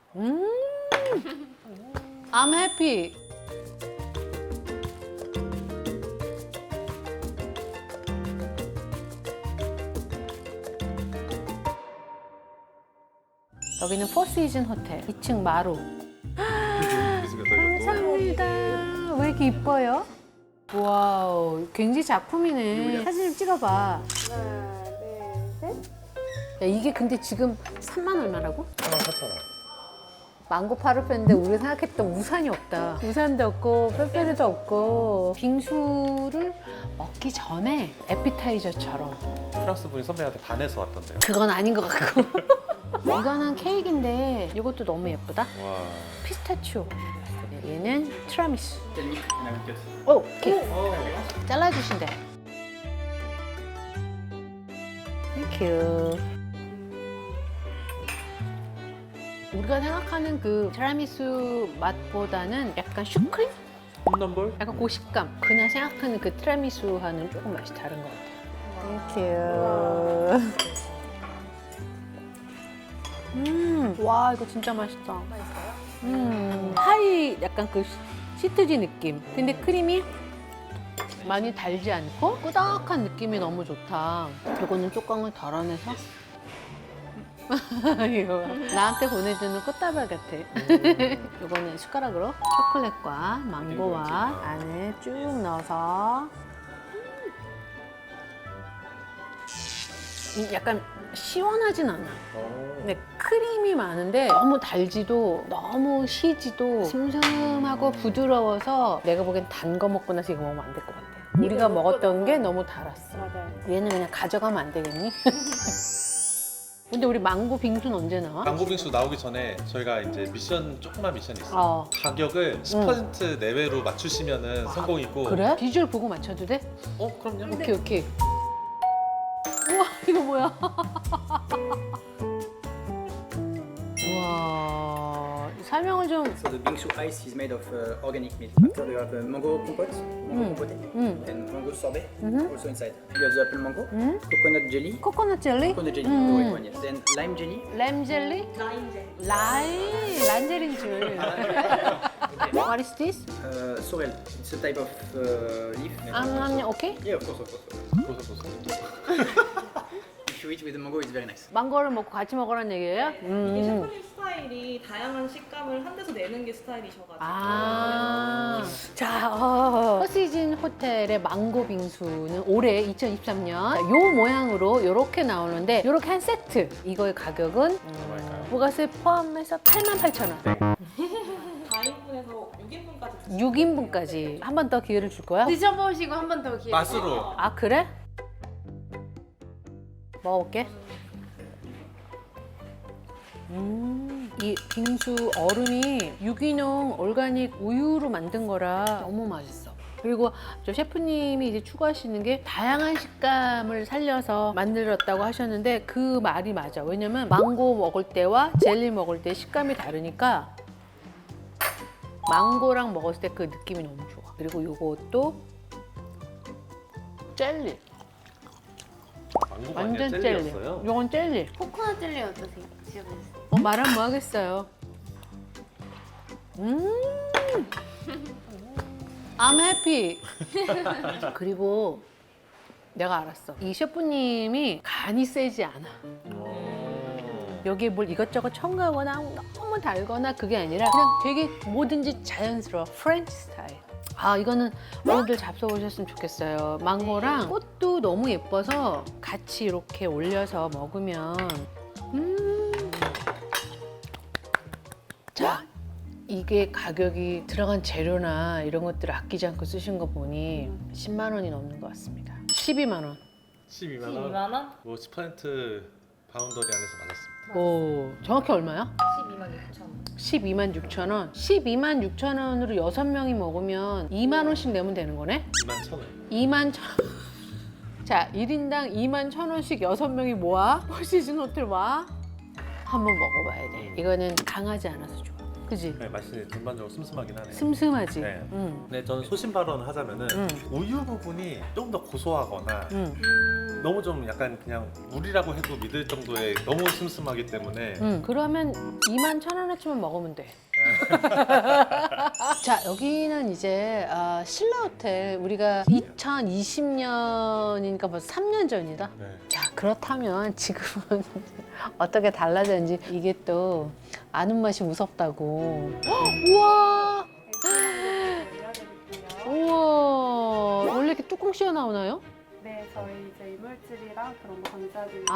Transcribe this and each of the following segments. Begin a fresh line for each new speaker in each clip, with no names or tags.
I'm happy. 여기는 포시즌 호텔 2층 마루. 감사합니다. 왜 이렇게 이뻐요? 와우, 굉장히 작품이네. 사진 좀 찍어봐.
하나, 둘, 셋.
야, 이게 근데 지금 3만 얼마라고?
44,000원.
망고 파르페인데 우리가 생각했던 우산이 없다. 우산도 없고 빼빼르도 없고 빙수를 먹기 전에 에피타이저처럼.
프랑스 분이 선배한테 반해서 왔던데요.
그건 아닌 것 같고. 이거는 케이크인데 이것도 너무 예쁘다.
와.
피스타치오. 얘는 티라미수. 오, 케이크. 잘라주신대. 땡큐. 우리가 생각하는 그 티라미수 맛보다는 약간 슈크림?
홈런볼?
약간 고식감. 그냥 생각하는 그 티라미수와는 조금 맛이 다른 것 같아요. 땡큐. 와, 이거 진짜 맛있다.
맛있어요?
파이 약간 그 시트지 느낌. 근데 크림이 많이 달지 않고 꾸덕한 느낌이 너무 좋다. 이거는 뚜껑을 덜어내서 이거 나한테 보내주는 꽃다발 같아. 이거는 숟가락으로 초콜릿과 망고와 안에 쭉 넣어서 약간 시원하진 않아. 근데 크림이 많은데 너무 달지도 너무 시지도 슴슴하고 부드러워서 내가 보기엔 단 거 먹고 나서 이거 먹으면 안 될 것 같아. 우리가 먹었던 게 너무 달았어.
맞아요.
얘는 그냥 가져가면 안 되겠니? 근데 우리 망고 빙수는 언제 나와?
망고빙수 나오기 전에 저희가 이제 조그만 미션이 있어요.
어.
가격을 10% 내외로 맞추시면은 성공이고.
그래? 비주얼 보고 맞춰도 돼?
그럼요.
오케이 오케이. 우와 이거 뭐야? 우와 설명을 좀.
So the bingsu ice is made of organic milk. After you have mango compote, mango compote, and mango sorbet also inside. You have the apple mango, coconut jelly,
코코넛 젤리?
coconut jelly, the white one, yes. Then lime jelly.
램 젤리? 라임 란젤인 줄. What is this?
Sorrel. It's a type of leaf.
오케이.
Yeah, of course, of course.
보소.
If you eat with the mango, it's very nice.
망고를 먹고 같이 먹으라는 얘기예요?
이게 셰프님 스타일이 다양한 식감을 한 데서 내는 게 스타일이셔가지고
아, 자, 포시즌 호텔의 망고 빙수는 올해 2023년 요 모양으로 이렇게 나오는데 이렇게 한 세트. 이거의 가격은 부가세 포함해서 88,000원.
4인분에서 6인분까지
6인분까지 한 번 더 기회를 줄 거야?
드셔보시고 한 번 더 기회.
맛으로.
아, 그래? 먹어볼게. 이 빙수 얼음이 유기농 오르가닉 우유로 만든 거라 너무 맛있어. 그리고 저 셰프님이 이제 추구하시는 게 다양한 식감을 살려서 만들었다고 하셨는데 그 말이 맞아. 왜냐면 망고 먹을 때와 젤리 먹을 때 식감이 다르니까 망고랑 먹었을 때 그 느낌이 너무 좋아. 그리고 이것도 젤리.
망고가
완전
아니라
젤리.
젤리였어요.
이건 젤리.
코코넛 젤리 어떠세요? 드셔보세요.
말하면 뭐 하겠어요. I'm happy. 그리고 내가 알았어. 이 셰프님이 간이 세지 않아. 여기에 뭘 이것저것 첨가하거나 너무 달거나 그게 아니라 그냥 되게 뭐든지 자연스러워. 프렌치 스타일. 아, 이거는 어른들 잡숴보셨으면 좋겠어요. 망고랑 꽃도 너무 예뻐서 같이 이렇게 올려서 먹으면 자, 이게 가격이 들어간 재료나 이런 것들을 아끼지 않고 쓰신 거 보니 10만 원이 넘는 것 같습니다. 12만 원.
12만 원.
2만 원?
뭐 10% 바운더리 안에서 맞았습니다.
오, 정확히 얼마야?
12만 6천 원.
12만 6천 원. 12만 6천 원으로 6명이 먹으면 2만 원씩 내면 되는 거네?
2만 1,000원.
2만 천 자, 1인당 2만 1,000원씩 6명이 모아 포시즌 호텔 와 한번 먹어봐야 돼. 이거는 강하지 않아서 좋아. 그지?
네, 맛이 전반적으로 슴슴하긴 하네요.
슴슴하지?
네.
응.
근데 저는 소신 발언을 하자면은 우유 부분이 좀 더 고소하거나 너무 좀 약간 그냥 물이라고 해도 믿을 정도의 너무 슴슴하기 때문에
그러면 21,000원어치만 먹으면 돼. 자, 여기는 이제 신라 호텔 우리가 2020년이니까 벌써 3년 전이다.
네.
자, 그렇다면 지금은 어떻게 달라졌는지 이게 또 아는 맛이 무섭다고. 헉, 우와! 우와! 원래 이렇게 뚜껑 씌워 나오나요?
네, 저희 이제 이물질이랑 그런 거 방지하기 위해서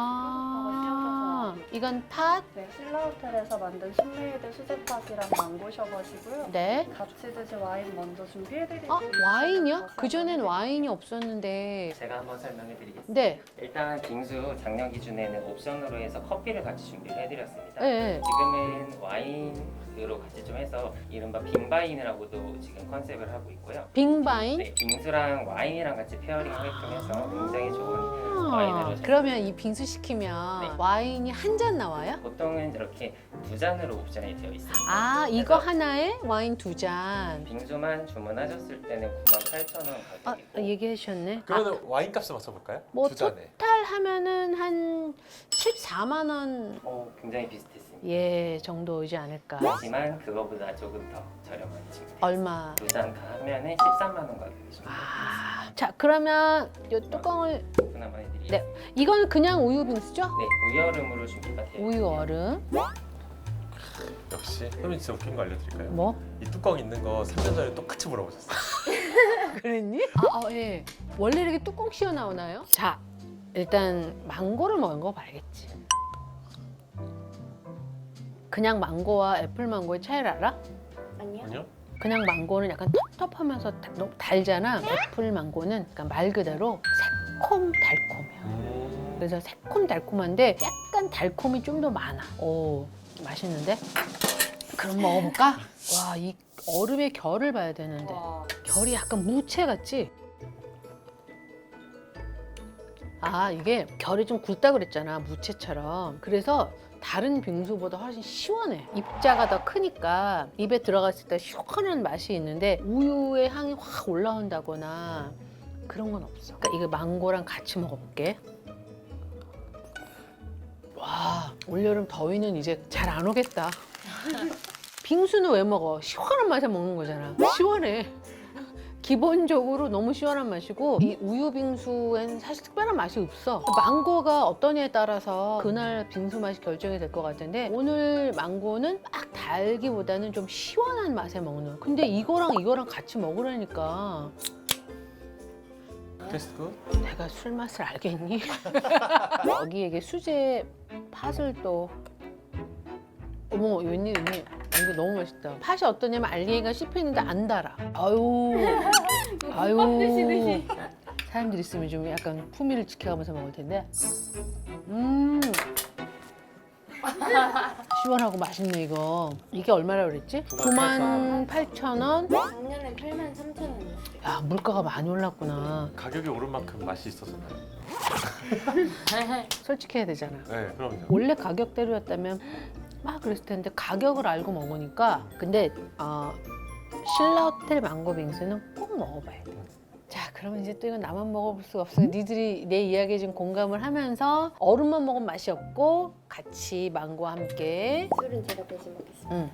아, 이건 팥?
네, 신라 호텔에서 만든 신메이드 수제팥이랑 망고셔버시고요.
네.
같이 드실 와인 먼저 준비해드릴게요.
와인이요? 그전엔 와인이 없었는데.
제가 한번 설명해 드리겠습니다.
네.
일단 빙수 작년 기준에는 옵션으로 해서 커피를 같이 준비를 해드렸습니다.
네.
지금은 와인으로 같이 좀 해서 이른바 빙바인이라고도 지금 컨셉을 하고 있고요.
빙바인?
네, 빙수랑 와인이랑 같이 페어링을 통해서 굉장히 좋은 와인으로
그러면 이 빙수 시키면
네.
와인이 한 잔 나와요?
보통은 이렇게 두 잔으로 옵션이 되어 있습니다.
아, 이거
그래서
하나에 와인 2잔.
빙수만 주문하셨을 때는 98,000원
아,
가격이고
얘기해 주셨네.
그러면 와인 값을 맞춰볼까요?
뭐
두 잔에.
토탈 하면은 한 14만 원
굉장히 비슷했습니다.
예, 정도이지 않을까.
하지만 그거보다 조금 더 저렴한 친구.
얼마?
두잔 다 하면은 13만 원 가격이십니다.
아, 자, 그러면 이 뚜껑을
오픈 한번 해드리겠습니다.
이건 그냥 우유 빙수죠?
네, 우유 얼음으로 준비가 되어
우유
있고요.
얼음.
역시 선배님 진짜 웃긴 거 알려드릴까요?
뭐?
이 뚜껑 있는 거 3년 전에 똑같이 물어보셨어요.
그랬니? 예. 원래 이렇게 뚜껑 씌워 나오나요? 자, 일단 망고를 먹어봐야겠지. 그냥 망고와 애플 망고의 차이를 알아?
아니요?
아니요?
그냥 망고는 약간 텁텁하면서 너무 달잖아. 애플 망고는 약간 말 그대로 새콤달콤해요. 그래서 새콤달콤한데 약간 달콤이 좀 더 많아. 오, 맛있는데? 그럼 먹어볼까? 와, 이 얼음의 결을 봐야 되는데. 결이 약간 무채 같지? 아, 이게 결이 좀 굵다 그랬잖아, 무채처럼. 그래서 다른 빙수보다 훨씬 시원해. 입자가 더 크니까 입에 들어갔을 때 시원한 맛이 있는데 우유의 향이 확 올라온다거나 그런 건 없어. 그러니까 이거 망고랑 같이 먹어볼게. 와, 올여름 더위는 이제 잘 안 오겠다. 빙수는 왜 먹어? 시원한 맛에 먹는 거잖아. 시원해. 기본적으로 너무 시원한 맛이고 이 우유 빙수엔 사실 특별한 맛이 없어. 망고가 어떠냐에 따라서 그날 빙수 맛이 결정이 될 것 같은데 오늘 망고는 막 달기보다는 좀 시원한 맛에 먹는. 근데 이거랑 같이 먹으라니까
테스트 굿?
내가 술 맛을 알겠니? 여기에 수제 팥을 또 어머, 웬일. 이거 너무 맛있다. 팥이 어떠냐면 알리에가 씹혀있는데 안 달아. 아유. 사람들 있으면 좀 약간 품위를 지켜가면서 먹을 텐데. 시원하고 맛있네, 이거. 이게 얼마라고 그랬지? 98,000원?
작년에 83,000원이었어요.
야, 물가가 많이 올랐구나.
가격이 오른 만큼 맛이 있었나요?
솔직해야 되잖아.
네, 그럼요.
원래 가격대로였다면 막 그랬을 텐데 가격을 알고 먹으니까 근데 신라 호텔 망고 빙수는 꼭 먹어봐야 돼. 자, 그러면 이제 또 이건 나만 먹어볼 수가 없어. 니들이 내 이야기에 좀 공감을 하면서 얼음만 먹으면 맛이 없고 같이 망고와 함께
술은 제가 대신 먹겠습니다.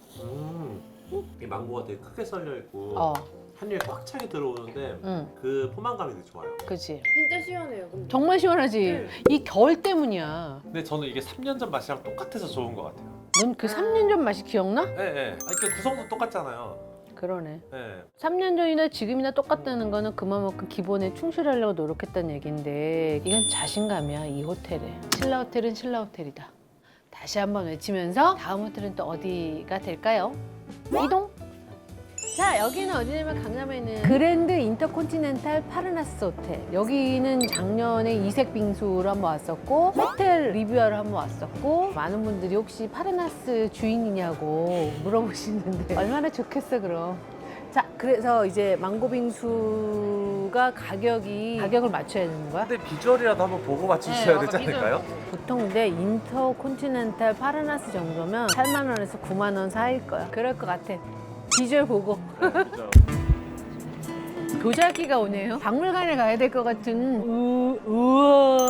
이 망고가 되게 크게 썰려 있고 한 입에 꽉 차게 들어오는데 그 포만감이 되게 좋아요.
그치.
진짜 시원해요. 근데.
정말 시원하지. 이 겨울 때문이야.
근데 저는 이게 3년 전 맛이랑 똑같아서 좋은 것 같아요.
넌 그 3년 전 맛이 기억나?
네, 네. 아니, 그 구성도 똑같잖아요.
그러네.
네.
3년 전이나 지금이나 똑같다는 거는 그만큼 기본에 충실하려고 노력했다는 얘기인데 이건 자신감이야, 이 호텔에. 신라 호텔은 신라 호텔이다. 다시 한번 외치면서 다음 호텔은 또 어디가 될까요? 이동! 자, 여기는 어디냐면 강남에 있는 그랜드 인터콘티넨탈 파르나스 호텔. 여기는 작년에 이색 빙수로 한번 왔었고 호텔 리뷰하러 한번 왔었고 많은 분들이 혹시 파르나스 주인이냐고 물어보시는데 얼마나 좋겠어 그럼. 자, 그래서 이제 망고 빙수가 가격을 맞춰야 되는 거야?
근데 비주얼이라도 한번 보고 맞추셔야 되지 않을까요?
보통 근데 인터콘티넨탈 파르나스 정도면 8만 원에서 9만 원 사이일 거야. 그럴 것 같아. 비주얼 보고.
네, 그죠.
도자기가 오네요. 박물관에 가야 될 것 같은. 우와.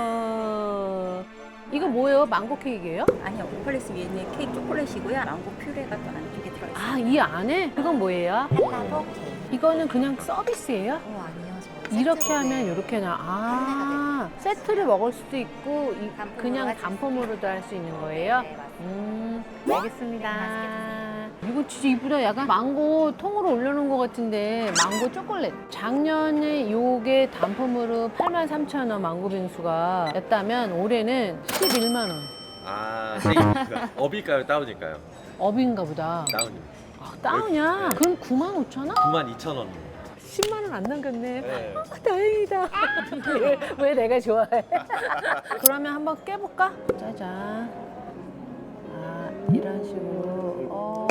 이거 뭐예요? 망고 케이크예요?
아니요, 오플레스 위에는 케이크 초콜릿이고요. 망고 퓨레가 또 안쪽에 들어있어요.
아, 이 안에? 그건 뭐예요?
헬라보 케이크.
이거는 그냥 서비스예요?
아니요,
이렇게 하면 이렇게 나. 아, 세트를 먹을 수도 있고 그냥 단품으로도 할 수 있는 거예요?
네, 맞습니다.
알겠습니다. 이거 진짜 이쁘다. 약간 망고 통으로 올려놓은 것 같은데 망고 초콜릿. 작년에 요게 단품으로 83,000원 망고 빙수가 였다면 올해는 11만 원.
아, 업일까요? 다운일까요?
업인가 보다.
다운입니다.
아, 다운이야? 그럼 95,000원?
92,000원.
10만 원 안 남겼네.
네.
아, 다행이다. 왜 내가 좋아해? 그러면 한번 깨볼까? 짜잔. 아, 이런 식으로.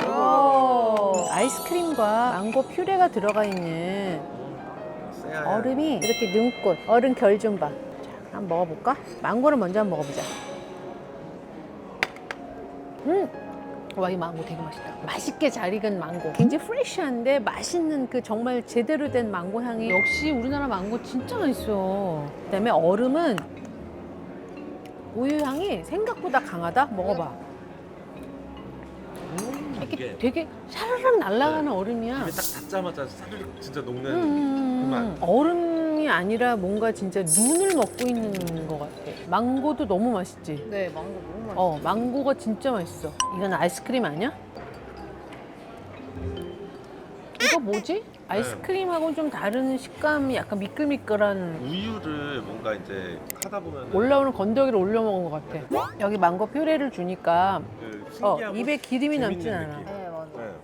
아이스크림과 망고 퓨레가 들어가 있는 얼음이 이렇게 눈꽃. 얼음 결 좀 봐. 자, 한번 먹어볼까? 망고를 먼저 한번 먹어보자. 와, 이 망고 되게 맛있다. 맛있게 잘 익은 망고. 굉장히 프레쉬한데 맛있는 그 정말 제대로 된 망고 향이. 역시 우리나라 망고 진짜 맛있어. 그다음에 얼음은 우유 향이 생각보다 강하다. 먹어봐. 이렇게
이게
되게 샤르륵 날아가는 얼음이야.
입에 딱 닿자마자 사르륵 진짜 녹는 그 맛.
얼음이 아니라 뭔가 진짜 눈을 먹고 있는 것 같아. 망고도 너무 맛있지?
네, 망고 너무 맛있어요.
망고가 진짜 맛있어. 이건 아이스크림 아니야? 이거 뭐지? 아이스크림하고는 좀 다른 식감이 약간 미끌미끌한
우유를 뭔가 이제 하다 보면
올라오는 건더기를 올려 먹은 것 같아. 여기 망고 퓨레를 주니까
그 신기하고
입에 기름이
재밌는
남진 않아.
느낌.
네, 맞아요.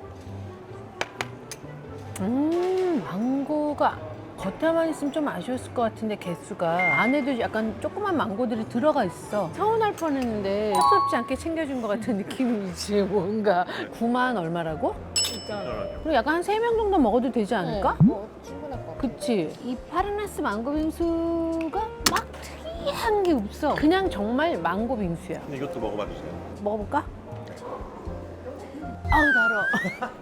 네.
망고가 겉에만 있으면 좀 아쉬웠을 것 같은데 개수가 안에도 약간 조그만 망고들이 들어가 있어. 서운할 뻔했는데 섭섭지 않게 챙겨준 것 같은 느낌이지. 뭔가 9만 얼마라고? 그리고 약간 한 3명 정도 먹어도 되지 않을까?
충분할 것 같아요.
그치? 이 파르나스 망고 빙수가 막 특이한 게 없어. 그냥 정말 망고 빙수야.
근데 이것도 먹어봐 주세요.
먹어볼까? 아우 달어.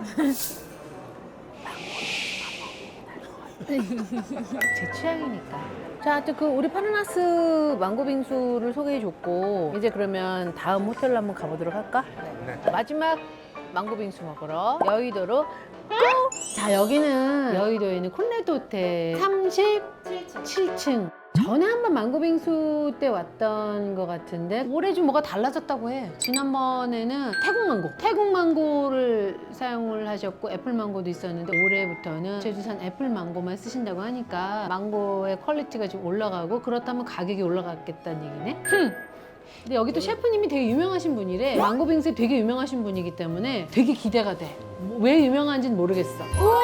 제 취향이니까. 자, 하여튼 그 우리 파르나스 망고 빙수를 소개해줬고 이제 그러면 다음 호텔로 한번 가보도록 할까?
네.
마지막 망고 빙수 먹으러 여의도로 고! 자, 여기는 여의도에 있는 콘레드 호텔 37층. 전에 한번 망고 빙수 때 왔던 것 같은데 올해 좀 뭐가 달라졌다고 해. 지난번에는 태국 망고를 사용을 하셨고 애플 망고도 있었는데 올해부터는 제주산 애플 망고만 쓰신다고 하니까 망고의 퀄리티가 좀 올라가고 그렇다면 가격이 올라갔겠다는 얘기네. 근데 여기 또 셰프님이 되게 유명하신 분이래. 망고 빙수에 되게 유명하신 분이기 때문에 되게 기대가 돼. 왜 유명한지는 모르겠어. 우와!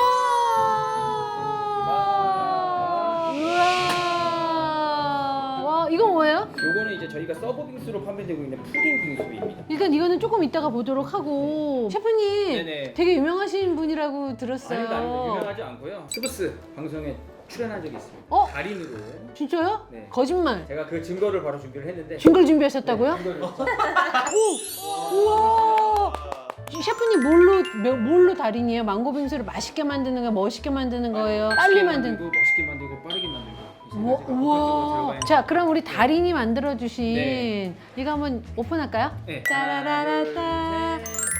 와, 이건 뭐예요?
요거는 이제 저희가 서브 빙수로 판매되고 있는 푸딩 빙수입니다.
일단 이거는 조금 이따가 보도록 하고 셰프님
네네.
되게 유명하신 분이라고 들었어요.
아닙니다. 유명하지 않고요. 스브스 방송에 출연한 적이 있습니다. 달인으로.
진짜요?
네.
거짓말.
제가 그 증거를 바로 준비를 했는데.
증거를 준비하셨다고요?
네, 증거를.
우와! 셰프님 뭘로 달인이에요? 망고 빙수를 맛있게 만드는 거예요? 멋있게 만드는 거예요? 빨리 만드는 거예요?
멋있게 만들고 빠르게 만들고.
우와. 자, 그럼 우리 달인이 만들어주신
네.
이거 한번 오픈할까요?
네.
짜라라라따.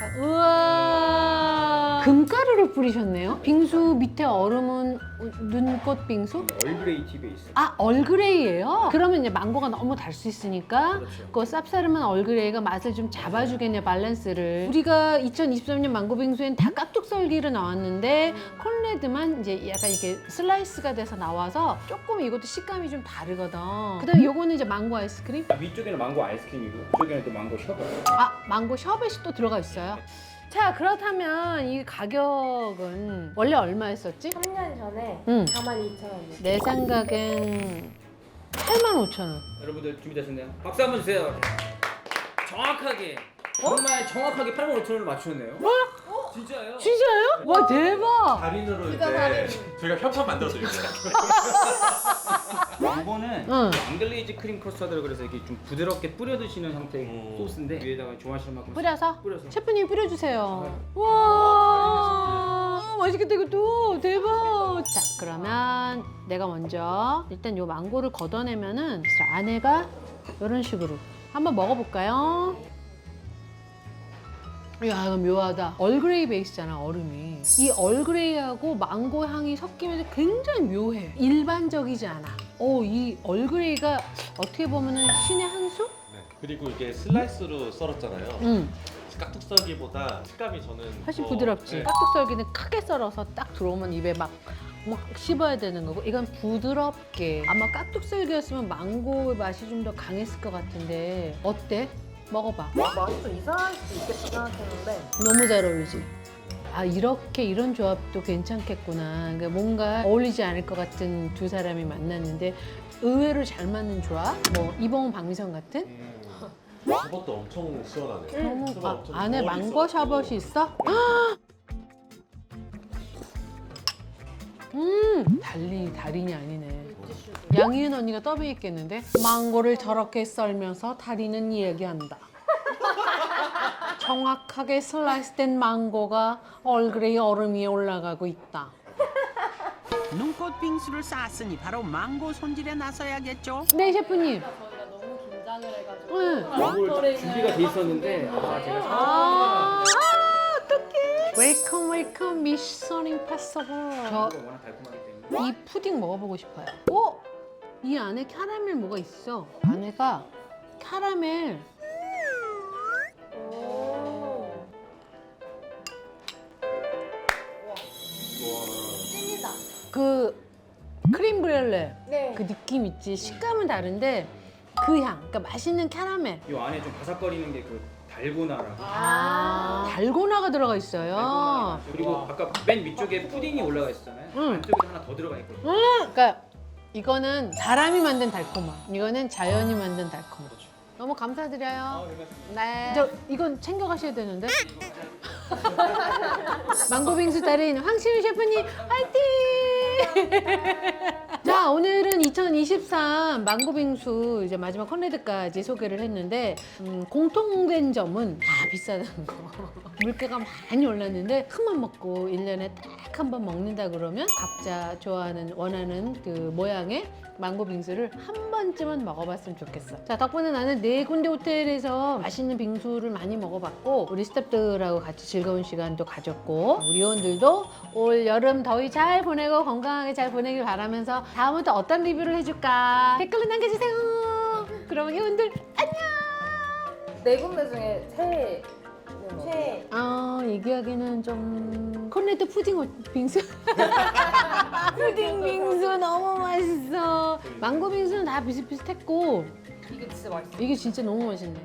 우와. 금가루를 뿌리셨네요. 빙수 밑에 얼음은 눈꽃 빙수?
얼그레이 티 베이스.
아, 얼그레이예요? 그러면 이제 망고가 너무 달 수 있으니까
그렇죠.
그 쌉싸름한 얼그레이가 맛을 좀 잡아주겠네, 밸런스를. 우리가 2023년 망고 빙수엔 다 깍둑썰기로 나왔는데 콘레드만 이제 약간 이렇게 슬라이스가 돼서 나와서 조금 이것도 식감이 좀 다르거든. 그다음에 요거는 이제 망고 아이스크림?
위쪽에는 망고 아이스크림이고 이쪽에는 또 망고 셔버.
아, 망고 셔벳이 또 들어가 있어요. 자, 그렇다면 이 가격은 원래 얼마였었지?
3년 전에
응.
42,000원이요.
내 생각엔 85,000원.
여러분들 준비되셨나요? 박수 한번 주세요. 정확하게. 정말 정확하게 85,000원을 맞추셨네요. 진짜요?
진짜요? 와, 대박!
달인으로
진짜
이제
달인.
저희가 협찬 만들어서 이렇게
이거는
응.
앙글레이즈 크림 커스터드를 그래서 이렇게 좀 부드럽게 뿌려 드시는 형태의 소스인데 위에다가 좋아하시는 만큼
뿌려서?
뿌려서.
셰프님 뿌려주세요. 와. 우와 맛있겠다 이것도 대박. 자 그러면 내가 먼저 일단 요 망고를 걷어내면은 자, 안에가 이런 식으로 한번 먹어볼까요? 야 이거 묘하다. 얼그레이 베이스잖아 얼음이. 이 얼그레이하고 망고 향이 섞이면서 굉장히 묘해. 일반적이지 않아. 이 얼그레이가 어떻게 보면은 신의 한 수?
네. 그리고 이게 슬라이스로 썰었잖아요.
응.
깍둑 썰기보다 식감이 저는
훨씬
더-
부드럽지.
네.
깍둑 썰기는 크게 썰어서 딱 들어오면 입에 막 씹어야 되는 거고 이건 부드럽게. 아마 깍둑 썰기였으면 망고의 맛이 좀 더 강했을 것 같은데 어때? 먹어봐.
맛이 좀 이상할 수도 있겠다 생각했는데
너무 잘 어울리지? 아 이렇게 이런 조합도 괜찮겠구나. 그러니까 뭔가 어울리지 않을 것 같은 두 사람이 만났는데 의외로 잘 맞는 조합? 뭐 이봉 박미선 같은?
저것도 엄청 시원하네.
너무
저거 엄청
안에
거울이
망고
있어가지고.
샤벗이 있어? 달인이 아니네. 양희은 언니가 더빙했겠는데? 망고를 저렇게 썰면서 달인은 이야기한다. 정확하게 슬라이스된 망고가 얼그레이 얼음 위에 올라가고 있다.
눈꽃 빙수를 쌓았으니 바로 망고 손질에 나서야겠죠.
네 셰프님.
저희가 너무 긴장을 해가지고
응.
준비가 돼 있었는데 제가
아, 어떡해. 웰컴 웰컴 미션 임파서블. 저
워낙 달콤하기 때문에.
이 푸딩 먹어보고 싶어요. 이 안에 캐러멜 뭐가 있어. 안에가 캐러멜. 그 크림 브렐레
네.
그 느낌 있지. 식감은 다른데 그 향, 그러니까 맛있는 캐러멜.
이 안에 좀 바삭거리는 게 그 달고나라고.
달고나가 들어가 있어요.
그리고 아까 맨 위쪽에 푸딩이 올라가 있었잖아요.
응.
안쪽에 하나 더 들어가 있거든요.
그러니까 이거는 사람이 만든 달콤함. 이거는 자연이 만든 달콤함. 너무 감사드려요. 네. 이건 챙겨가셔야 되는데. 망고빙수 달인 황시윤 셰프님 화이팅! 자 오늘은 2023 망고빙수 이제 마지막 컨레드까지 소개를 했는데 공통된 점은 다 비싸다는 거. 물가가 많이 올랐는데 큰맘 먹고 1년에 딱 한 번 먹는다 그러면 각자 좋아하는 원하는 그 모양의 망고 빙수를 한 번쯤은 먹어봤으면 좋겠어. 자 덕분에 나는 4군데 호텔에서 맛있는 빙수를 많이 먹어봤고 우리 스태프들하고 같이 즐거운 시간도 가졌고 우리 요원들도 올 여름 더위 잘 보내고 건강하게 잘 보내길 바라면서 다음부터 어떤 리뷰를 해줄까 댓글로 남겨주세요. 그러면 요원들 안녕.
네 군데 중에 최애
얘기하기는 좀 콘레드 푸딩 빙수 푸딩 빙수 너무 맛있어. 망고 빙수는 다 비슷비슷했고
이게 진짜 맛있어.
이게 진짜 너무 맛있네.